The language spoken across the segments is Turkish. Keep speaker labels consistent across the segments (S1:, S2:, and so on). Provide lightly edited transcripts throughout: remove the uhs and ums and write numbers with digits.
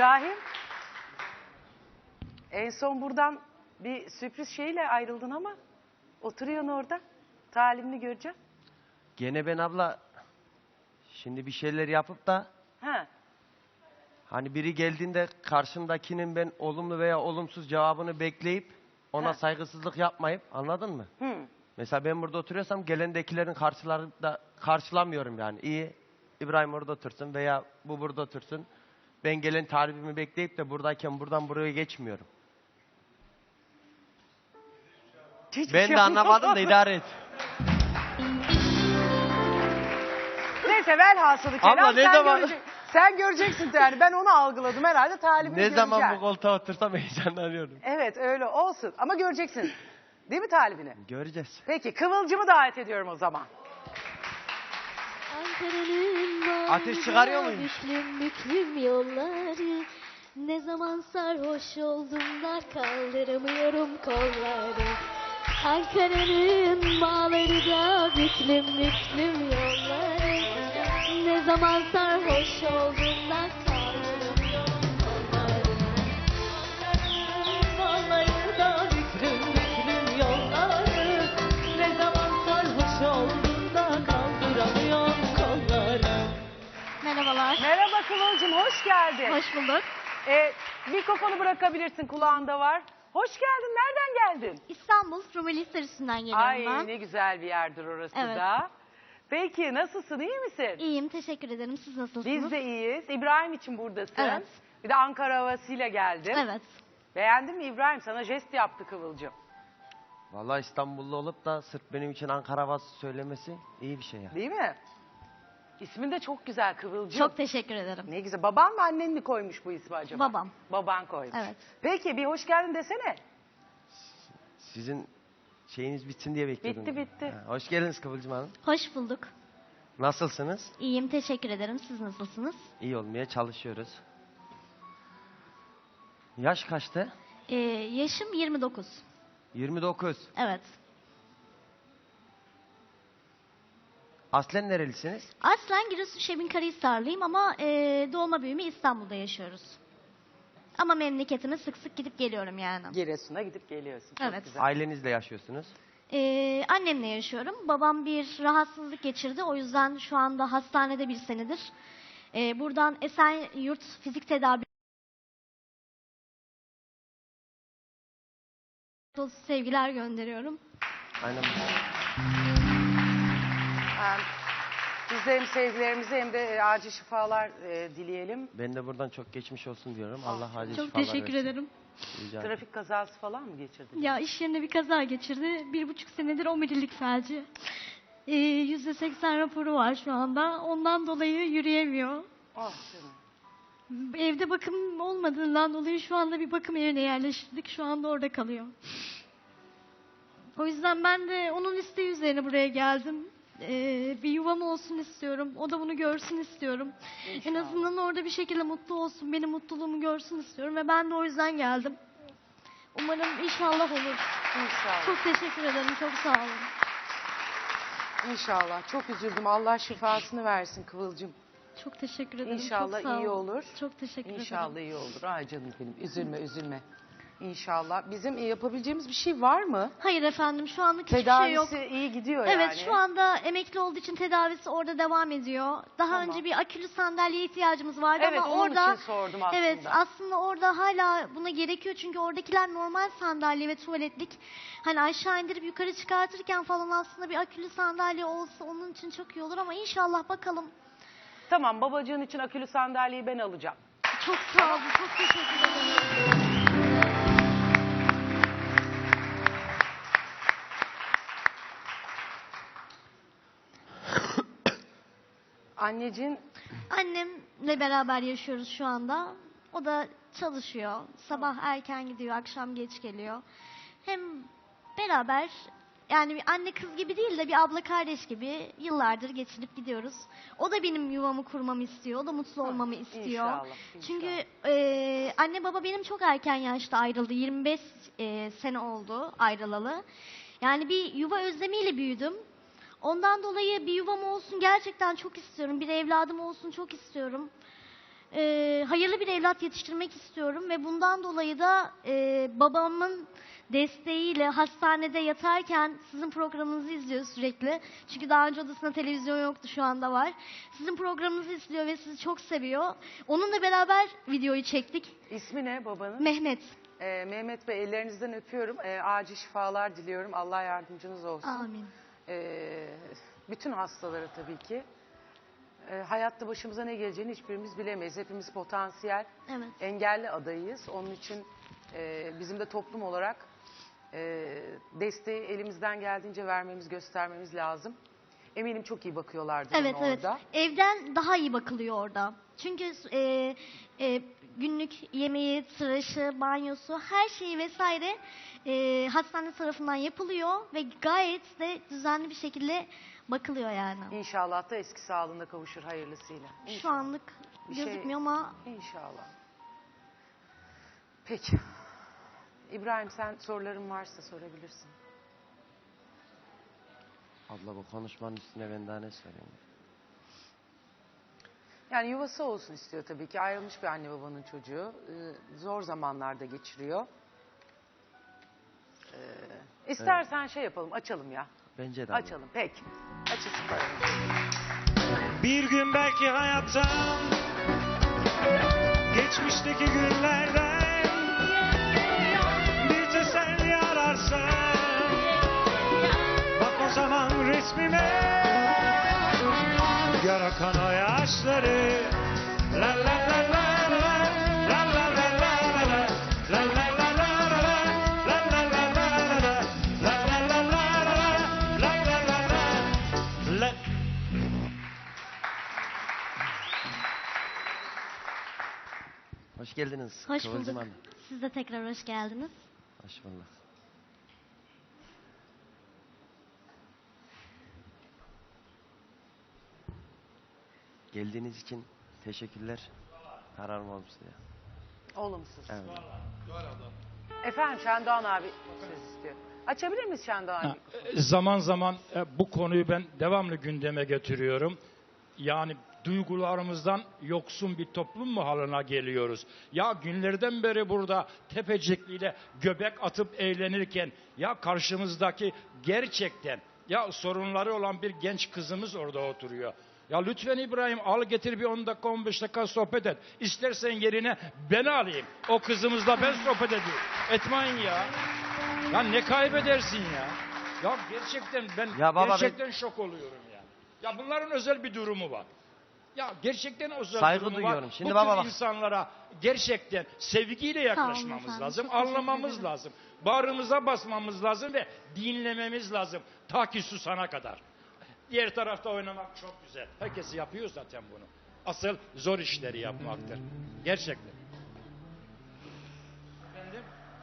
S1: İbrahim, en son buradan bir sürpriz şeyle ayrıldın ama oturuyorsun orada. Talimini göreceğim.
S2: Gene ben abla şimdi bir şeyler yapıp da
S1: Ha.
S2: hani biri geldiğinde karşımdakinin ben olumlu veya olumsuz cevabını bekleyip ona
S1: Ha.
S2: saygısızlık yapmayıp, anladın mı?
S1: Hı.
S2: Mesela ben burada oturuyorsam gelendekilerin karşılarında karşılamıyorum yani. İyi, İbrahim orada otursun veya bu burada otursun. Ben gelen talibimi bekleyip de buradayken buradan buraya geçmiyorum.
S1: Hiçbir
S2: Ben
S1: şey
S2: de anlamadım da idare et.
S1: Neyse velhasılı kelam
S2: Abla, ne zaman-
S1: sen göreceksin yani. Ben onu algıladım herhalde, talibini
S2: Ne
S1: göreceğim.
S2: zaman bu koltuğa otursam heyecanlanıyorum.
S1: Evet öyle olsun ama göreceksin. Değil mi talibini?
S2: Göreceğiz.
S1: Peki Kıvılcım'ı davet ediyorum o zaman.
S2: Ateş çıkarıyor muyum?
S3: Büklüm büklüm yolları, ne zaman sarhoş oldum da kaldıramıyorum kolları. Ankara'nın bağları da büklüm büklüm yolları, ne zaman sarhoş oldum da kaldıramıyorum kolları. Ankara'nın bağları da büklüm büklüm yolları, ne zaman sarhoş oldum da kaldıramıyorum kolları. Merhabalar.
S1: Merhaba Kıvılcım, hoş geldin.
S3: Hoş bulduk.
S1: Mikrofonu bırakabilirsin, kulağında var. Hoş geldin, nereden geldin?
S3: İstanbul Rumeli Hisarısı'ndan geliyorum
S1: Ay
S3: ben.
S1: ne güzel bir yerdir orası
S3: Evet.
S1: da. Peki nasılsın, iyi misin?
S3: İyiyim, teşekkür ederim. Siz nasılsınız?
S1: Biz de iyiyiz. İbrahim için buradasın.
S3: Evet.
S1: Bir de Ankara havasıyla geldin.
S3: Evet.
S1: Beğendin mi İbrahim? Sana jest yaptı Kıvılcım.
S2: Vallahi İstanbullu olup da sırf benim için Ankara havası söylemesi iyi bir şey ya.
S1: Değil mi? İsmin de çok güzel Kıvılcım.
S3: Çok teşekkür ederim.
S1: Ne güzel. Baban mı annen mi koymuş bu ismi acaba?
S3: Babam.
S1: Baban koymuş.
S3: Evet.
S1: Peki bir hoş geldin desene.
S2: Sizin şeyiniz bitsin diye bekliyordum.
S1: Bitti.
S2: Ha, hoş geldiniz Kıvılcım Hanım.
S3: Hoş bulduk.
S2: Nasılsınız?
S3: İyiyim, teşekkür ederim. Siz nasılsınız?
S2: İyi olmaya çalışıyoruz. Yaş kaçtı?
S3: Yaşım 29.
S2: 29.
S3: Evet.
S2: Aslen nerelisiniz?
S3: Aslen Giresun Şebinkarahisarlıyım ama doğma büyüme İstanbul'da yaşıyoruz. Ama memleketime sık sık gidip geliyorum yani.
S1: Giresun'a gidip geliyorsun. Çok
S3: Evet.
S1: güzel.
S2: Ailenizle yaşıyorsunuz.
S3: Annemle yaşıyorum. Babam bir rahatsızlık geçirdi. O yüzden şu anda hastanede bir senedir. Buradan Esenyurt Fizik Tedavi sevgiler gönderiyorum.
S2: Aynen.
S1: Biz de hem sevgilerimizi hem de acil şifalar dileyelim.
S2: Ben de buradan çok geçmiş olsun diyorum. Allah acil
S3: Çok
S2: şifalar
S3: teşekkür
S2: versin.
S3: ederim.
S2: Rica ederim.
S1: Trafik kazası falan mı geçirdin?
S3: Ya iş yerinde bir kaza geçirdi. 1,5 senedir omurilik felci. %80 raporu var şu anda. Ondan dolayı yürüyemiyor.
S1: Ah canım.
S3: Evde bakım olmadığından dolayı şu anda bir bakım evine yerleştirdik. Şu anda orada kalıyor. O yüzden ben de onun isteği üzerine buraya geldim. Bir yuvam olsun istiyorum. O da bunu görsün istiyorum.
S1: İnşallah.
S3: En azından orada bir şekilde mutlu olsun. Benim mutluluğumu görsün istiyorum. Ve ben de o yüzden geldim. Umarım inşallah olur.
S1: İnşallah.
S3: Çok teşekkür ederim. Çok sağ olun.
S1: İnşallah. Çok üzüldüm. Allah şifasını versin Kıvılcım.
S3: Çok teşekkür ederim.
S1: İnşallah
S3: Çok sağ
S1: iyi
S3: olun.
S1: olur.
S3: Çok teşekkür
S1: İnşallah
S3: ederim.
S1: iyi olur. Ay canım benim. Üzülme üzülme. İnşallah. Bizim yapabileceğimiz bir şey var mı?
S3: Hayır efendim, şu anlık hiçbir şey yok.
S1: Tedavisi iyi gidiyor
S3: Evet,
S1: yani.
S3: şu anda emekli olduğu için tedavisi orada devam ediyor. Daha
S1: Tamam.
S3: önce bir akülü sandalyeye ihtiyacımız vardı
S1: Evet,
S3: ama
S1: onun
S3: orada
S1: için sordum aslında.
S3: Evet, aslında orada hala buna gerekiyor çünkü oradakiler normal sandalye ve tuvaletlik. Hani aşağı indirip yukarı çıkartırken falan aslında bir akülü sandalye olsa onun için çok iyi olur ama inşallah bakalım.
S1: Tamam, babacığın için akülü sandalyeyi ben alacağım.
S3: Çok sağ olun, çok teşekkür ederim.
S1: Anneciğin
S3: Annemle beraber yaşıyoruz şu anda. O da çalışıyor. Sabah erken gidiyor, akşam geç geliyor. Hem beraber yani bir anne kız gibi değil de bir abla kardeş gibi yıllardır geçirip gidiyoruz. O da benim yuvamı kurmamı istiyor. O da mutlu olmamı istiyor.
S1: İnşallah.
S3: Çünkü anne baba benim çok erken yaşta ayrıldı. 25 sene oldu ayrılalı. Yani bir yuva özlemiyle büyüdüm. Ondan dolayı bir yuvam olsun gerçekten çok istiyorum. Bir evladım olsun çok istiyorum. hayırlı bir evlat yetiştirmek istiyorum ve bundan dolayı da babamın desteğiyle hastanede yatarken sizin programınızı izliyor sürekli. Çünkü daha önce odasında televizyon yoktu, şu anda var. Sizin programınızı izliyor ve sizi çok seviyor. Onunla beraber videoyu çektik.
S1: İsmi ne babanın?
S3: Mehmet.
S1: Mehmet Bey, ellerinizden öpüyorum. Acil şifalar diliyorum. Allah yardımcınız olsun.
S3: Amin.
S1: Bütün hastalara tabii ki. Hayatta başımıza ne geleceğini hiçbirimiz bilemeyiz. Hepimiz potansiyel,
S3: Evet.
S1: engelli adayıyız. Onun için bizim de toplum olarak desteği elimizden geldiğince vermemiz, göstermemiz lazım. Eminim çok iyi bakıyorlardır
S3: Evet,
S1: ona
S3: evet.
S1: orada.
S3: Evden daha iyi bakılıyor orada. Çünkü günlük yemeği, tıraşı, banyosu, her şeyi vesaire hastane tarafından yapılıyor ve gayet de düzenli bir şekilde bakılıyor yani.
S1: İnşallah da eski sağlığına kavuşur hayırlısıyla.
S3: Şu
S1: İnşallah.
S3: anlık
S1: Bir şey-
S3: gözükmüyor ama
S1: İnşallah. Peki. İbrahim, sen soruların varsa sorabilirsin.
S2: Abla bu konuşmanın üstüne ben daha ne söyleyeyim?
S1: Yani yuvası olsun istiyor tabii ki. Ayrılmış bir anne babanın çocuğu. Zor zamanlarda geçiriyor. İstersen şey yapalım, açalım ya.
S2: Bence de. abla.
S1: Açalım, peki. Açılsın paramız.
S4: Bir gün belki hayattan, geçmişteki günlerden bir teselli ararsan, bak o zaman resmime, yara kan o yaşları. La la la la la, la la la la la, la la la la la, la la la la la, la la la la la, la la la la.
S2: Hoş geldiniz.
S3: hoş
S2: Kıvılcım
S3: bulduk.
S2: Hanım.
S3: Siz de tekrar hoş geldiniz.
S2: Hoş bulduk. Geldiğiniz için teşekkürler. Kararım olmuştu ya.
S1: Olumsuz.
S2: Evet.
S1: Efendim, Şendoğan abi söz istiyor. Açabilir miyiz Şendoğan abi?
S5: Zaman zaman bu konuyu ben devamlı gündeme getiriyorum. Yani duygularımızdan yoksun bir toplum mu haline geliyoruz? Ya günlerden beri burada Tepecikli'yle göbek atıp eğlenirken ya karşımızdaki gerçekten ya sorunları olan bir genç kızımız orada oturuyor. Ya lütfen İbrahim, al getir bir 10 dakika 15 dakika sohbet et. İstersen yerine ben alayım. O kızımızla ben sohbet edeyim. Etmeyin ya. Ya ne kaybedersin ya? Ya gerçekten ben
S2: Ya baba,
S5: gerçekten şok oluyorum ya. Ya bunların özel bir durumu var. Ya gerçekten özel
S2: Saygı
S5: durumu
S2: duyuyorum.
S5: var.
S2: Şimdi
S5: Bu
S2: baba
S5: tür
S2: bak.
S5: insanlara gerçekten sevgiyle yaklaşmamız
S3: efendim,
S5: lazım.
S3: çok teşekkür
S5: Anlamamız
S3: ederim.
S5: lazım. Bağrımıza basmamız lazım ve dinlememiz lazım. Ta ki susana kadar. Diğer tarafta oynamak çok güzel. Herkes yapıyor zaten bunu. Asıl zor işleri yapmaktır. Gerçekten. Efendim?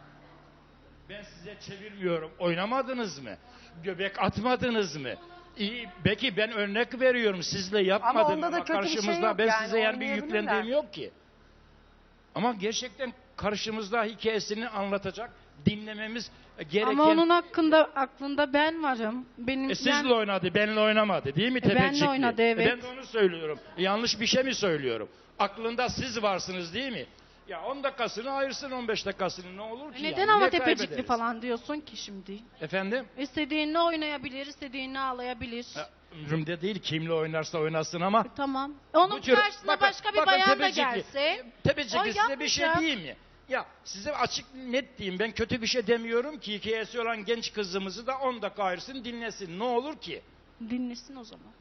S5: Ben size çevirmiyorum. Oynamadınız mı? Göbek atmadınız mı? İyi, belki ben örnek veriyorum. Sizle yapmadım
S1: onda da
S5: ama
S1: kötü bir şey
S5: karşımızda
S1: yok
S5: ben
S1: yani,
S5: size yani bir
S1: oynayabilirler.
S5: yüklendiğim yok ki. Ama gerçekten karşımızda hikayesini anlatacak, dinlememiz gereken...
S6: Ama onun aklında ben varım. Benim
S5: Sizle oynadı, benle oynamadı değil mi
S6: benle
S5: Tepecikli?
S6: oynadı, evet.
S5: Ben de onu söylüyorum. Yanlış bir şey mi söylüyorum? Aklında siz varsınız değil mi? Ya 10 dakikasını ayırsın 15 dakikasını, ne olur ki?
S6: Neden
S5: yani?
S6: ama
S5: Ne
S6: Tepecikli
S5: kaybederiz?
S6: falan diyorsun ki şimdi?
S5: Efendim?
S6: İstediğini oynayabilir, istediğini ağlayabilir.
S5: Ömrümde değil, kimle oynarsa oynasın ama...
S6: Tamam. Onun
S5: Bu tür-
S6: karşısına
S5: bakın-
S6: başka bir
S5: bakın
S6: bayan da
S5: Tepecikli.
S6: gelse
S5: Tepecikli
S6: o
S5: size bir şey
S6: yapmayacak.
S5: diyeyim mi? Ya size açık net diyeyim, ben kötü bir şey demiyorum ki, hikayesi olan genç kızımızı da 10 dakika ayırsın dinlesin, ne olur ki?
S6: Dinlesin o zaman.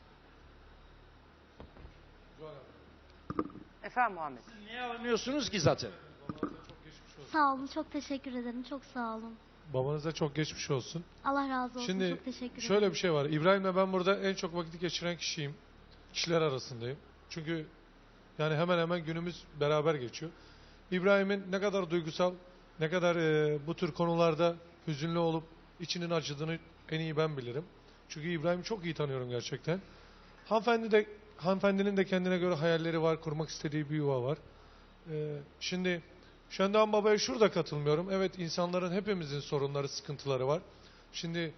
S1: Efendim Muhammed.
S5: Niye alınıyorsunuz ki zaten?
S3: Sağ olun, çok teşekkür ederim. Çok sağ olun.
S7: Babanıza çok geçmiş olsun.
S3: Allah razı olsun.
S7: Şimdi
S3: çok teşekkür ederim.
S7: şöyle bir şey var. İbrahim'le ben burada en çok vakit geçiren kişiyim. Kişiler arasındayım. Çünkü yani hemen hemen günümüz beraber geçiyor. İbrahim'in ne kadar duygusal, ne kadar bu tür konularda hüzünlü olup içinin acıdığını en iyi ben bilirim. Çünkü İbrahim'i çok iyi tanıyorum gerçekten. Hanımefendinin de kendine göre hayalleri var, kurmak istediği bir yuva var. Şimdi Şendoğan Baba'ya şurada katılmıyorum. Evet, insanların, hepimizin sorunları, sıkıntıları var. Şimdi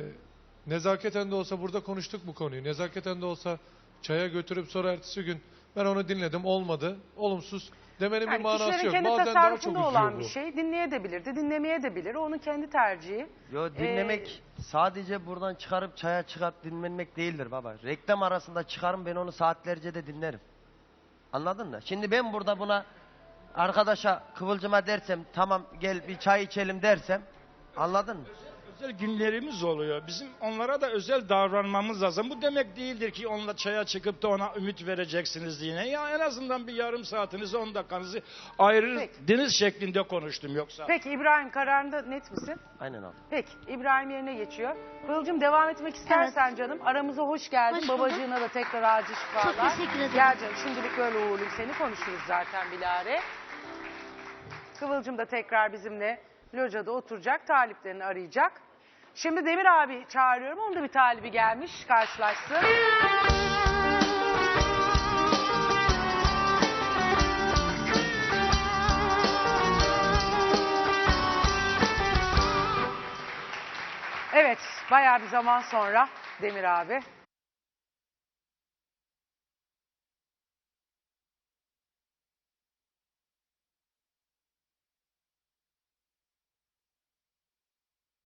S7: nezaketen de olsa burada konuştuk bu konuyu. Nezaketen de olsa çaya götürüp sonra ertesi gün Ben onu dinledim, olmadı. Olumsuz demenin bir
S1: Yani
S7: manası
S1: kişilerin
S7: yok.
S1: kendi
S7: Bazen daha çok
S1: tasarrufunda
S7: üzüyor
S1: olan
S7: bu.
S1: bir şey. Dinleyebilir de dinlemeyebilir. Onun kendi tercihi.
S2: Yo, dinlemek sadece buradan çıkarıp çaya çıkıp dinlemek değildir baba. Reklam arasında çıkarım, ben onu saatlerce de dinlerim. Anladın mı? Şimdi ben burada buna arkadaşa, Kıvılcım'a dersem tamam gel bir çay içelim dersem, anladın mı?
S5: Özel günlerimiz oluyor. Bizim onlara da özel davranmamız lazım. Bu demek değildir ki onunla çaya çıkıp da ona ümit vereceksiniz yine. Ya en azından bir yarım saatinizi, 10 dakikanızı ayırırdınız şeklinde konuştum yoksa.
S1: Peki İbrahim, kararında net misin?
S2: Aynen abi.
S1: Peki İbrahim yerine geçiyor. Kıvılcım, devam etmek istersen canım. Aramıza hoş geldin.
S3: Hoş bulduk.
S1: Babacığına da tekrar acil şifalar.
S3: Çok teşekkür ederim.
S1: Gel canım, şimdilik öyle uğurlayayım seni, konuşuruz zaten bilare. Kıvılcım da tekrar bizimle locada oturacak, taliplerini arayacak. Şimdi Demir abi çağırıyorum. Onun da bir talibi gelmiş, karşılaşsın. Evet, bayağı bir zaman sonra Demir abi